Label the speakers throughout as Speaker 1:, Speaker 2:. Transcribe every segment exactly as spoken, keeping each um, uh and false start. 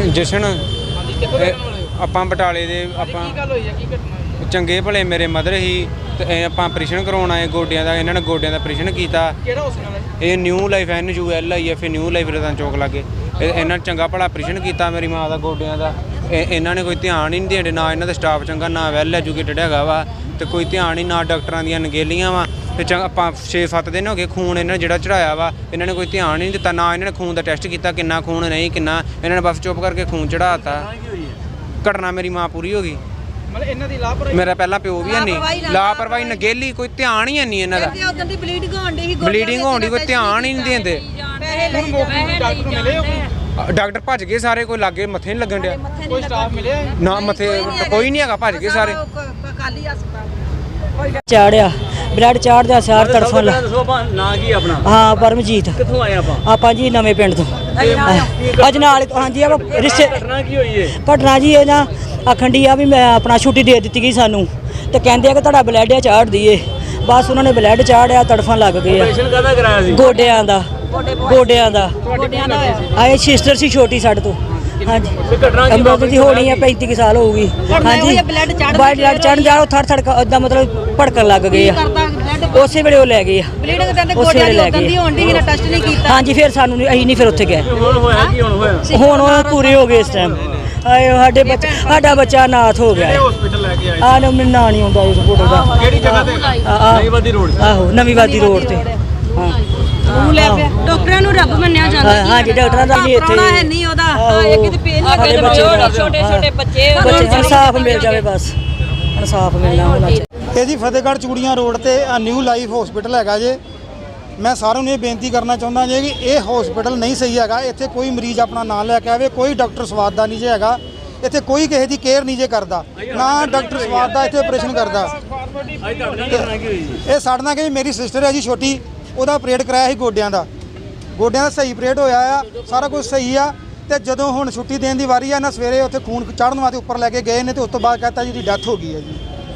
Speaker 1: ਜਸ਼ਨ ਆਪਾਂ ਬਟਾਲੇ ਦੇ ਆਪਾਂ ਚੰਗੇ ਭਲੇ ਮੇਰੇ ਮਦਰ ਹੀ ਤੇ ਆਪਾਂ ਆਪਰੇਸ਼ਨ ਕਰਵਾਉਣ ਆਏ ਗੋਡਿਆਂ ਦਾ। ਇਹਨਾਂ ਨੇ ਗੋਡਿਆਂ ਦਾ ਆਪਰੇਸ਼ਨ ਕੀਤਾ।
Speaker 2: ਕਿਹੜਾ ਹਸਪਤਾਲ?
Speaker 1: ਇਹ new life N U L I F new life Ratan Chowk ਲਾਗੇ। ਇਹਨਾਂ ਨੇ ਚੰਗਾ ਭਲਾ ਆਪਰੇਸ਼ਨ ਕੀਤਾ ਮੇਰੀ ਮਾਂ ਦਾ ਗੋਡਿਆਂ ਦਾ। ਇਹਨਾਂ ਨੇ ਕੋਈ ਧਿਆਨ ਹੀ ਨਹੀਂ ਦਿੰਦੇ, ਨਾ ਇਹਨਾਂ ਦਾ ਸਟਾਫ ਚੰਗਾ, ਨਾ ਵੈਲ ਐਜੂਕੇਟਡ ਹੈਗਾ ਵਾ, ਤੇ ਕੋਈ ਧਿਆਨ ਹੀ ਨਾ ਡਾਕਟਰਾਂ ਦੀਆਂ ਨਗੇਲੀਆਂ ਵਾ। ਤੇ ਚੰਗਾ ਆਪਾਂ ਛੇ ਸੱਤ ਦਿਨ ਹੋ ਗਏ ਖੂਨ ਇਹਨਾਂ ਨੇ ਜਿਹੜਾ ਚੜਾਇਆ ਵਾ, ਇਹਨਾਂ ਨੇ ਕੋਈ ਧਿਆਨ ਨਹੀਂ ਦਿੱਤਾ, ਨਾ ਇਹਨਾਂ ਨੇ ਖੂਨ ਦਾ ਟੈਸਟ ਕੀਤਾ ਕਿੰਨਾ ਖੂਨ ਨਹੀਂ ਕਿੰਨਾ, ਇਹਨਾਂ ਨੇ ਬਸ ਚੁੱਪ ਕਰਕੇ ਖੂਨ ਚੜਾਤਾ। ਘਟਨਾ ਮੇਰੀ ਮਾਂ ਪੂਰੀ ਹੋ ਗਈ।
Speaker 2: ਮਤਲਬ ਇਹਨਾਂ ਦੀ ਲਾਪਰਵਾਹੀ,
Speaker 1: ਮੇਰਾ ਪਹਿਲਾਂ ਪਿਓ ਵੀ ਹੈ ਨਹੀਂ, ਲਾਪਰਵਾਹੀ ਨਗੇਲੀ, ਕੋਈ ਧਿਆਨ ਹੀ ਨਹੀਂ ਇਹਨਾਂ ਦਾ।
Speaker 3: ਬਲੀਡਿੰਗ ਹੋਣ ਦੀ
Speaker 1: ਬਲੀਡਿੰਗ ਹੋਣ ਦੀ ਕੋਈ ਧਿਆਨ ਹੀ ਨਹੀਂ ਦਿੰਦੇ।
Speaker 2: ਡਾਕਟਰ ਮਿਲੇ ਹੋ?
Speaker 1: ਡਾਕਟਰ ਭੱਜ ਗਏ ਸਾਰੇ, ਕੋਈ ਲਾਗੇ ਮੱਥੇ ਨਹੀਂ ਲੱਗਣ ਡਿਆ,
Speaker 2: ਕੋਈ ਸਟਾਫ ਮਿਲਿਆ
Speaker 1: ਨਾ ਮੱਥੇ ਕੋਈ ਨਹੀਂ ਹੈਗਾ, ਭੱਜ ਗਏ ਸਾਰੇ।
Speaker 3: ਚਾੜਿਆ ਬਲੱਡ ਚਾੜਦਾ ਸਾਰ ਤੜਫਣ ਲੱਗ।
Speaker 2: ਨਾਂ ਕੀ ਆਪਣਾ?
Speaker 3: ਹਾਂ ਪਰਮਜੀਤ।
Speaker 2: ਕਿੱਥੋਂ ਆਏ ਆਪਾਂ?
Speaker 3: ਆਪਾਂ ਜੀ ਨਵੇਂ ਪਿੰਡ ਤੋਂ ਅੱਜ ਨਾਲ। ਹਾਂਜੀ ਆਪਾਂ ਰਿਸ਼ਤੇ।
Speaker 2: ਘਟਨਾ ਕੀ ਹੋਈ ਏ?
Speaker 3: ਘਟਨਾ ਜੀ ਇਹ ਨਾ ਆਖਣ ਡਈ ਆ ਵੀ ਮੈਂ ਆਪਣਾ ਛੁੱਟੀ ਦੇ ਦਿੱਤੀ ਗਈ ਸਾਨੂੰ, ਤੇ ਕਹਿੰਦੇ ਆ ਕਿ ਤੁਹਾਡਾ ਬਲੱਡ ਆ ਚਾੜ ਦਈਏ। ਬਸ ਉਹਨਾਂ ਨੇ ਬਲੱਡ ਚਾੜਿਆ, ਤੜਫਣ ਲੱਗ ਗਏ ਆ।
Speaker 2: ਆਪਰੇਸ਼ਨ ਕਾਹਦਾ ਕਰਾਇਆ ਸੀ?
Speaker 3: ਗੋਡਿਆਂ ਦਾ। ਗੋਡਿਆਂ ਦਾ ਆਏ ਸਿਸਟਰ ਸੀ ਛੋਟੀ ਸਾਡੇ ਤੋਂ। ਹਾਂਜੀ ਐਮਰਜੈਂਸੀ ਹੋਣੀ ਹੈ, ਪੈਂਤੀ ਕੁ ਸਾਲ ਹੋਊਗੀ। ਹਾਂਜੀ ਬਲੱਡ ਚੜ੍ਹਨ ਜਾ ਥੜ ਥੜ ਇਦਾਂ ਮਤਲਬ ਭੜਕਣ ਲੱਗ ਗਏ ਆ। ਉਸੇ ਵੇਲੇ ਉਹ ਲੈ ਗਏ ਆ। ਉਸੇ ਵੇਲੇ ਲੈ ਗਏ। ਹਾਂਜੀ ਫਿਰ ਸਾਨੂੰ ਅਸੀਂ ਨਹੀਂ ਫਿਰ ਉੱਥੇ ਗਏ। ਹੁਣ ਉਹ ਪੂਰੇ ਹੋ ਗਏ ਇਸ ਟਾਈਮ। ਆਏ ਸਾਡੇ ਬੱਚਾ ਸਾਡਾ ਬੱਚਾ ਨਾਥ ਹੋ ਗਿਆ।
Speaker 2: ਹਸਪੀਟਲ ਲੈ ਕੇ ਆਏ
Speaker 3: ਆ ਨਾ ਮੈਨੂੰ ਨਾਂ ਨਹੀਂ ਆਉਂਦਾ ਇਸ ਫੋਟੋ ਦਾ।
Speaker 2: ਕਿਹੜੀ ਜਗ੍ਹਾ ਤੇ? ਨਵੀਂ ਵਾਦੀ ਰੋਡ।
Speaker 3: ਆਹੋ ਨਵੀਂ ਵਾਦੀ ਰੋਡ ਤੇ। ਹਾਂ
Speaker 4: ਉਹ ਲੈ ਪਿਆ। ਡਾਕਟਰਾਂ ਨੂੰ ਰੱਬ ਮੰਨਿਆ ਜਾਂਦਾ।
Speaker 3: ਹਾਂਜੀ ਡਾਕਟਰਾਂ ਦਾ ਵੀ ਇੱਥੇ
Speaker 4: ਹੈ ਨਹੀਂ ਉਹਦਾ। ਹਾਂ ਇੱਕ ਤੇ ਪੇਨ ਲੱਗੇ ਛੋਟੇ ਛੋਟੇ ਬੱਚੇ
Speaker 3: ਬੱਚੇ ਇਨਸਾਫ ਮਿਲ ਜਾਵੇ, ਬਸ ਇਨਸਾਫ ਮਿਲਣਾ ਹੋਣਾ ਚਾਹੀਦਾ।
Speaker 5: ਇਹ ਜੀ ਫਤਿਹਗੜ੍ਹ ਚੂੜੀਆਂ ਰੋਡ ਤੇ ਨਿਊ ਲਾਈਫ ਹਸਪੀਟਲ ਹੈਗਾ ਜੇ। ਮੈਂ ਸਾਰਿਆਂ ਨੂੰ ਇਹ ਬੇਨਤੀ ਕਰਨਾ ਚਾਹੁੰਦਾ ਜੇ ਕਿ ਇਹ ਹਸਪੀਟਲ ਨਹੀਂ ਸਹੀ ਹੈਗਾ। ਇੱਥੇ ਕੋਈ ਮਰੀਜ਼ ਆਪਣਾ ਨਾਂ ਲੈ ਕੇ ਆਵੇ, ਕੋਈ ਡਾਕਟਰ ਸਵਾਦ ਦਾ ਨਹੀਂ ਜੇ ਹੈਗਾ। ਇੱਥੇ ਕੋਈ ਕਿਸੇ ਦੀ ਕੇਅਰ ਨਹੀਂ ਜੇ ਕਰਦਾ, ਨਾ ਡਾਕਟਰ ਸਵਾਦ ਦਾ ਇੱਥੇ ਆਪਰੇਸ਼ਨ ਕਰਦਾ। ਇਹ ਸਾਡੇ ਨਾਲ ਕਿ ਮੇਰੀ ਸਿਸਟਰ ਹੈ ਜੀ ਛੋਟੀ, ਉਹਦਾ ਆਪਰੇਟ ਕਰਾਇਆ ਸੀ ਗੋਡਿਆਂ ਦਾ। ਗੋਡਿਆਂ ਦਾ ਸਹੀ ਆਪਰੇਟ ਹੋਇਆ ਆ, ਸਾਰਾ ਕੁਝ ਸਹੀ ਆ। ਤੇ ਜਦੋਂ ਹੁਣ ਛੁੱਟੀ ਦੇਣ ਦੀ ਵਾਰੀ ਆ ਨਾ, ਸਵੇਰੇ ਉੱਥੇ ਖੂਨ ਚੜ੍ਹਨ ਵਾਸਤੇ ਉੱਪਰ ਲੈ ਕੇ ਗਏ ਨੇ, ਤੇ ਉਸ ਤੋਂ ਬਾਅਦ ਕਹਤਾ ਜੀ ਦੀ ਡੈਥ ਹੋ ਗਈ ਹੈ ਜੀ।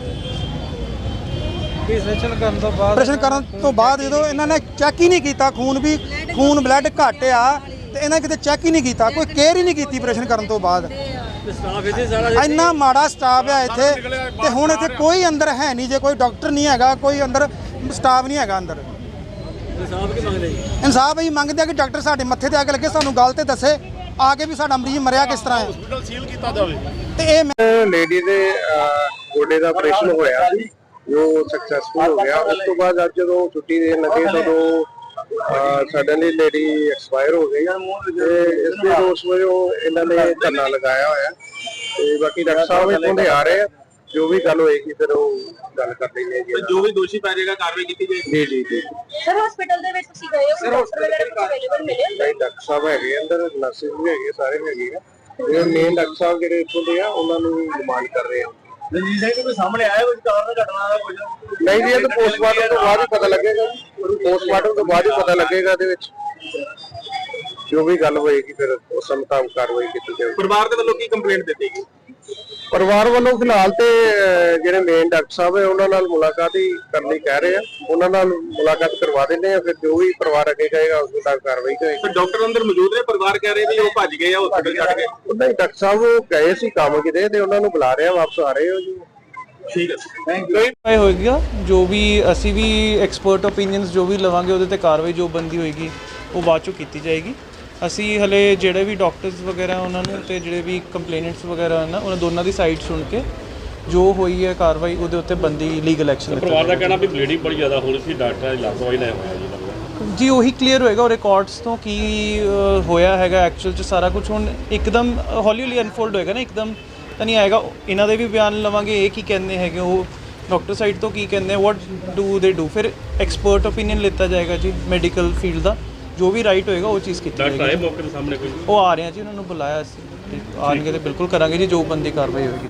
Speaker 2: ਆਪਰੇਸ਼ਨ ਕਰਨ ਤੋਂ ਬਾਅਦ
Speaker 5: ਆਪਰੇਸ਼ਨ ਕਰਨ ਤੋਂ ਬਾਅਦ ਜਦੋਂ ਇਹਨਾਂ ਨੇ ਚੈੱਕ ਹੀ ਨਹੀਂ ਕੀਤਾ, ਖੂਨ ਵੀ ਖੂਨ ਬਲੱਡ ਘੱਟ ਆ, ਤੇ ਇਹਨਾਂ ਕਿਤੇ ਚੈੱਕ ਹੀ ਨਹੀਂ ਕੀਤਾ, ਕੋਈ ਕੇਅਰ ਹੀ ਨਹੀਂ ਕੀਤੀ ਆਪਰੇਸ਼ਨ ਕਰਨ ਤੋਂ ਬਾਅਦ।
Speaker 2: ਸਟਾਫ ਇੱਥੇ ਸਾਰਾ
Speaker 5: ਇੰਨਾ ਮਾੜਾ ਸਟਾਫ ਆ ਇੱਥੇ। ਤੇ ਹੁਣ ਇੱਥੇ ਕੋਈ ਅੰਦਰ ਹੈ ਨਹੀਂ ਜੇ, ਕੋਈ ਡਾਕਟਰ ਨਹੀਂ ਹੈਗਾ, ਕੋਈ ਅੰਦਰ ਸਟਾਫ ਨਹੀਂ ਹੈਗਾ ਅੰਦਰ।
Speaker 2: ਇਨਸਾਫ ਕੀ ਮੰਗਦੇ ਜੀ?
Speaker 5: ਇਨਸਾਫ ਅਸੀਂ ਮੰਗਦੇ ਆ ਕਿ ਡਾਕਟਰ ਸਾਡੇ ਮੱਥੇ ਤੇ ਆ ਕੇ ਲੱਗੇ, ਸਾਨੂੰ ਗੱਲ ਤੇ ਦੱਸੇ ਆ ਕੇ ਵੀ ਸਾਡਾ ਮਰੀਜ਼ ਮਰਿਆ ਕਿਸ ਤਰ੍ਹਾਂ ਹੈ।
Speaker 6: ਹਸਪੀਟਲ ਸੀਲ ਕੀਤਾ ਜਾਵੇ।
Speaker 5: ਤੇ ਇਹ
Speaker 6: ਲੇਡੀ ਦੇ ਗੋਡੇ ਦਾ ਆਪਰੇਸ਼ਨ ਹੋਇਆ ਸੀ ਜੋ ਸਕਸੈਸਫੁਲ ਹੋ ਗਿਆ। ਉਸ ਤੋਂ ਬਾਅਦ ਅੱਜ ਜਦੋਂ ਛੁੱਟੀ ਦੇਣ ਲੱਗੇ ਤਾਂ ਸਡਨਲੀ ਲੇਡੀ ਐਕਸਪਾਇਰ ਹੋ ਗਈ। ਤੇ ਇਸ ਦੇ ਰੋਸ ਵਜੋਂ ਇਹਨਾਂ ਨੇ ਧਰਨਾ ਲਗਾਇਆ ਹੋਇਆ। ਤੇ ਬਾਕੀ ਡਾਕਟਰ ਸਾਹਿਬ ਇੱਥੋਂ ਦੇ ਆ ਰਹੇ ਆ, ਜੋ ਵੀ ਗੱਲ ਹੋਏਗੀ ਫਿਰ ਉਹ ਗੱਲ ਕਰ ਲੈਂਦੇ ਜੀ।
Speaker 2: ਜੋ ਵੀ ਦੋਸ਼ੀ ਪੈ ਜਾਏਗਾ ਕਾਰਵਾਈ ਕੀਤੀ ਜਾਏਗੀ।
Speaker 6: ਜੀ ਜੀ ਜੀ
Speaker 4: ਸਰ ਹਸਪੀਟਲ ਦੇ ਵਿੱਚ ਤੁਸੀਂ ਗਏ ਹੋ? ਸਰ ਹਸਪੀਟਲ ਅਵੇਲੇਬਲ ਮਿਲੇ?
Speaker 6: ਨਹੀਂ ਡਾਕਟਰ ਸਾਹਿਬ ਹੈਗੇ ਅੰਦਰ, ਨਰਸਿਸ ਵੀ ਹੈਗੇ, ਸਾਰੇ ਹੈਗੇ ਆ। ਜਿਹੜੇ ਮੇਨ ਡਾਕਟਰ ਸਾਹਿਬ ਜਿਹੜੇ ਇੱਥੋਂ ਦੇ ਆ ਉਹਨਾਂ ਨੂੰ ਡਿਮਾਂਡ ਕਰ ਰਹੇ ਆ।
Speaker 2: ਰਣਜੀਤ ਸਿੰਘ ਕੋਈ ਸਾਹਮਣੇ ਆਇਆ ਕੋਈ ਕਾਰਨ ਘਟਨਾ ਦਾ ਕੁਝ?
Speaker 6: ਨਹੀਂ ਜੀ, ਇਹ ਤਾਂ ਪੋਸਟਮਾਰਟਮ ਤੋਂ ਬਾਅਦ ਹੀ ਪਤਾ ਲੱਗੇਗਾ। ਪੋਸਟਮਾਰਟਮ ਤੋਂ ਬਾਅਦ ਹੀ ਪਤਾ ਲੱਗੇਗਾ ਇਹਦੇ ਵਿੱਚ ਜੋ ਵੀ ਗੱਲ ਹੋਏਗੀ, ਫਿਰ ਉਸ ਮੁਤਾਬਕ ਕਾਰਵਾਈ ਕੀਤੀ ਜਾਏਗੀ।
Speaker 2: ਪਰਿਵਾਰ ਦੇ ਵੱਲੋਂ ਕੀ ਕੰਪਲੇਂਟ ਦਿੱਤੀ ਗਈ?
Speaker 6: ਪਰਿਵਾਰ ਵੱਲੋਂ ਫਿਲਹਾਲ ਤੇ ਜਿਹੜੇ ਮੇਨ ਡਾਕਟਰ ਸਾਹਿਬ ਹੈ ਉਹਨਾਂ ਨਾਲ ਮੁਲਾਕਾਤ ਹੀ ਕਰਨ ਲਈ ਕਹਿ ਰਹੇ ਆ। ਉਹਨਾਂ ਨਾਲ ਮੁਲਾਕਾਤ ਕਰਵਾ ਦਿੰਦੇ ਆ, ਫਿਰ ਜੋ ਵੀ ਪਰਿਵਾਰ ਅੱਗੇ ਕਹੇਗਾ ਉਸ ਮੁਤਾਬਕ ਕਾਰਵਾਈ ਹੋਏਗੀ।
Speaker 2: ਡਾਕਟਰ ਅੰਦਰ ਮੌਜੂਦ ਨੇ? ਪਰਿਵਾਰ ਕਹਿ ਰਹੇ ਵੀ ਉਹ ਭੱਜ ਗਏ ਆ ਹਸਪੀਟਲ ਛੱਡ ਕੇ।
Speaker 6: ਉਹਨਾਂ ਹੀ ਡਾਕਟਰ ਸਾਹਿਬ ਉਹ ਗਏ ਸੀ ਕੰਮ ਕਿਤੇ, ਤੇ ਉਹਨਾਂ ਨੂੰ ਬੁਲਾ ਰਹੇ ਆ, ਵਾਪਸ ਆ ਰਹੇ ਹੋ ਜੀ।
Speaker 2: ਠੀਕ ਹੈ, ਥੈਂਕ ਯੂ।
Speaker 7: ਹੋਏਗਾ ਜੋ ਵੀ ਅਸੀਂ ਵੀ ਐਕਸਪਰਟ ਓਪੀਨੀਅਨਸ ਜੋ ਵੀ ਲਵਾਂਗੇ ਉਹਦੇ ਤੇ ਕਾਰਵਾਈ ਜੋ ਬੰਦੀ ਹੋਏਗੀ ਉਹ ਬਾਅਦ ਚੋਂ ਕੀਤੀ ਜਾਏਗੀ। ਅਸੀਂ ਹਲੇ ਜਿਹੜੇ ਵੀ ਡਾਕਟਰਸ ਵਗੈਰਾ ਉਹਨਾਂ ਨੂੰ ਤੇ ਜਿਹੜੇ ਵੀ ਕੰਪਲੇਨੈਂਟਸ ਵਗੈਰਾ ਹਨ ਉਹਨਾਂ ਦੋਨਾਂ ਦੀ ਸਾਈਡ ਸੁਣ ਕੇ ਜੋ ਹੋਈ ਹੈ ਕਾਰਵਾਈ ਉਹਦੇ ਉੱਤੇ ਬੰਦੀ ਲੀਗਲ ਐਕਸ਼ਨ।
Speaker 8: ਪਰਿਵਾਰ ਦਾ ਕਹਿਣਾ ਵੀ ਬਲੀਡਿੰਗ ਬੜੀ ਜ਼ਿਆਦਾ ਹੋ ਰਹੀ ਸੀ, ਡਾਕਟਰਾਂ ਦੀ ਲਾਪਰਵਾਹੀ ਨਾਲ ਹੋਇਆ ਜੀ।
Speaker 7: ਜੀ ਉਹੀ ਕਲੀਅਰ ਹੋਏਗਾ ਉਹ ਰਿਕਾਰਡਸ ਤੋਂ ਕੀ ਹੋਇਆ ਹੈਗਾ ਐਕਚੁਅਲ 'ਚ। ਸਾਰਾ ਕੁਝ ਹੁਣ ਇੱਕਦਮ ਹੌਲੀ ਹੌਲੀ ਅਨਫੋਲਡ ਹੋਏਗਾ ਨਾ, ਇੱਕਦਮ ਤਾਂ ਨਹੀਂ ਆਏਗਾ। ਇਹਨਾਂ ਦੇ ਵੀ ਬਿਆਨ ਲਵਾਂਗੇ, ਇਹ ਕੀ ਕਹਿੰਦੇ ਹੈਗੇ, ਉਹ ਡਾਕਟਰ ਸਾਈਡ ਤੋਂ ਕੀ ਕਹਿੰਦੇ, ਵਾਟ ਡੂ ਦੇ ਡੂ, ਫਿਰ ਐਕਸਪਰਟ ਓਪੀਨੀਅਨ ਲਿੱਤਾ ਜਾਏਗਾ ਜੀ ਮੈਡੀਕਲ ਫੀਲਡ ਦਾ। ਜੋ ਵੀ ਰਾਈਟ ਹੋਏਗਾ ਉਹ ਚੀਜ਼ ਕੀਤੀ ਜਾਏਗੀ।
Speaker 8: ਡਾਕਟਰ ਆਏ ਮੌਕੇ ਦੇ ਸਾਹਮਣੇ ਕੋਈ?
Speaker 7: ਉਹ ਆ ਰਹੇ ਆ ਜੀ, ਉਹਨਾਂ ਨੂੰ ਬੁਲਾਇਆ ਅਸੀਂ, ਆਣਗੇ ਤੇ ਬਿਲਕੁਲ ਕਰਾਂਗੇ ਜੀ ਜੋ ਬੰਦੀ ਕਾਰਵਾਈ ਹੋਏਗੀ।